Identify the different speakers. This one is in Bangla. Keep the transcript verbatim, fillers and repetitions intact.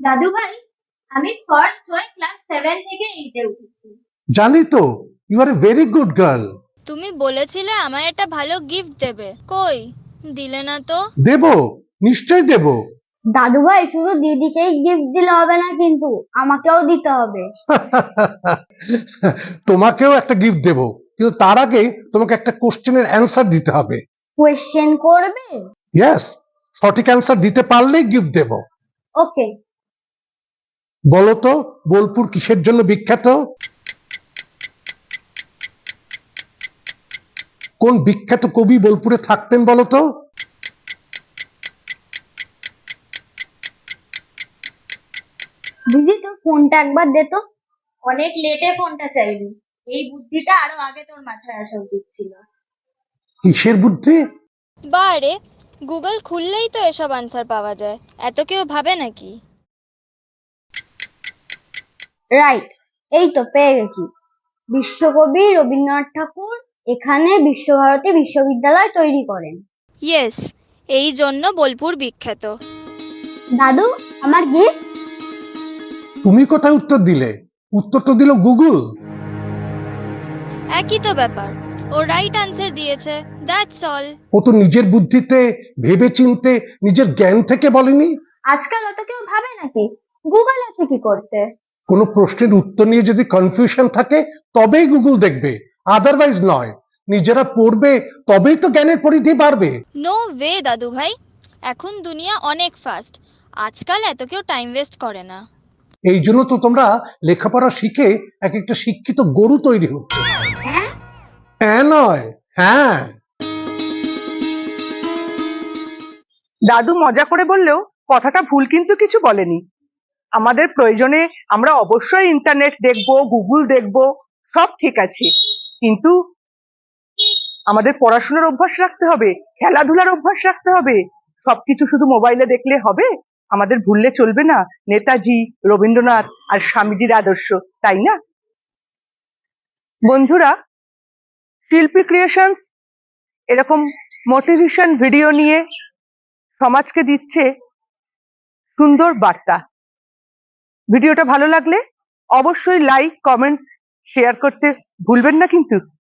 Speaker 1: দাদু ভাই, আমি ফার্স্ট হয়ে ক্লাস সেভেন থেকে এইটে উঠেছি।
Speaker 2: জানি তো, you are a very good girl.
Speaker 3: তুমি বলেছিলে আমায় একটা ভালো গিফট দেবে, কই দিলে না তো?
Speaker 2: দেব, নিশ্চয় দেব।
Speaker 1: দাদু ভাই, শুধু দিদিকেই গিফট দিলে হবে না, কিন্তু আমাকেও দিতে হবে।
Speaker 2: তোমাকেও একটা গিফট দেব, কিন্তু তার আগে তোমাকে একটা কোশ্চেনের অ্যান্সার দিতে হবে।
Speaker 1: কোয়েশ্চেন করবে?
Speaker 2: ইয়েস, সঠিক অ্যান্সার দিতে পারলেই গিফট দেব।
Speaker 1: ওকে।
Speaker 2: বলো তো, বোলপুর কিসের জন্য বিখ্যাত? কোন বিখ্যাত কবি বোলপুরে থাকতেন বলো তো?
Speaker 1: দিদি, তোর ফোনটা একবার দে তো। অনেক লেটে ফোনটা চাইলি, এই বুদ্ধিটা আরো আগে তোর মাথায় আসা উচিত ছিল।
Speaker 2: কিসের বুদ্ধি?
Speaker 3: বারে, গুগল খুললেই তো এসব আনসার পাওয়া যায়, এত কেউ ভাবে নাকি?
Speaker 1: রাইট, এই তো পেয়ে গেছি। বিশ্বকবি রবীন্দ্রনাথ ঠাকুর এখানে বিশ্বভারতী বিশ্ববিদ্যালয় তৈরি করেন।
Speaker 3: ইয়েস, এই জন্য বোলপুর বিখ্যাত।
Speaker 1: দাদু, আমার গিফট।
Speaker 2: তুমি কোথায় উত্তর দিলে? উত্তর তো দিল গুগল।
Speaker 3: একই তো ব্যাপার, ও রাইট আনসার দিয়েছে, দ্যাটস অল।
Speaker 2: ও তো নিজের বুদ্ধিতে ভেবে চিনতে নিজের জ্ঞান থেকে বলেনি।
Speaker 1: আজকাল অত কেউ ভাবে নাকি? গুগল আছে কি করতে?
Speaker 2: কোনো প্রশ্নের উত্তর নিয়ে যদি কনফিউশন থাকে তবেই গুগল দেখবে, আদারওয়াইজ নয়। নিজেরা পড়বে, তবেই তো জ্ঞানের পরিধি বাড়বে।
Speaker 3: নো ওয়ে দাদু ভাই, এখন দুনিয়া অনেক ফাস্ট, আজকাল এত কেউ টাইম ওয়েস্ট করে না।
Speaker 2: এই জন্য তো তোমরা লেখাপড়া শিখে এক একটা শিক্ষিত গরু তৈরি হচ্ছে।
Speaker 1: হ্যাঁ,
Speaker 2: হ্যাঁ নয়, হ্যাঁ।
Speaker 4: দাদু মজা করে বললেও কথাটা ভুল কিন্তু কিছু বলেনি। আমাদের প্রয়োজনে আমরা অবশ্যই ইন্টারনেট দেখবো, গুগল দেখবো, সব ঠিক আছে, কিন্তু আমাদের পড়াশোনার অভ্যাস রাখতে হবে, খেলাধুলার অভ্যাস রাখতে হবে। সবকিছু শুধু মোবাইলে দেখলে হবে? আমাদের ভুললে চলবে না নেতাজি, রবীন্দ্রনাথ আর স্বামীজির আদর্শ, তাই না? বন্ধুরা, শিল্পী ক্রিয়েশনস এরকম মোটিভেশন ভিডিও নিয়ে সমাজকে দিচ্ছে সুন্দর বার্তা। ভিডিওটা ভালো লাগলে অবশ্যই লাইক, কমেন্ট, শেয়ার করতে ভুলবেন না কিন্তু।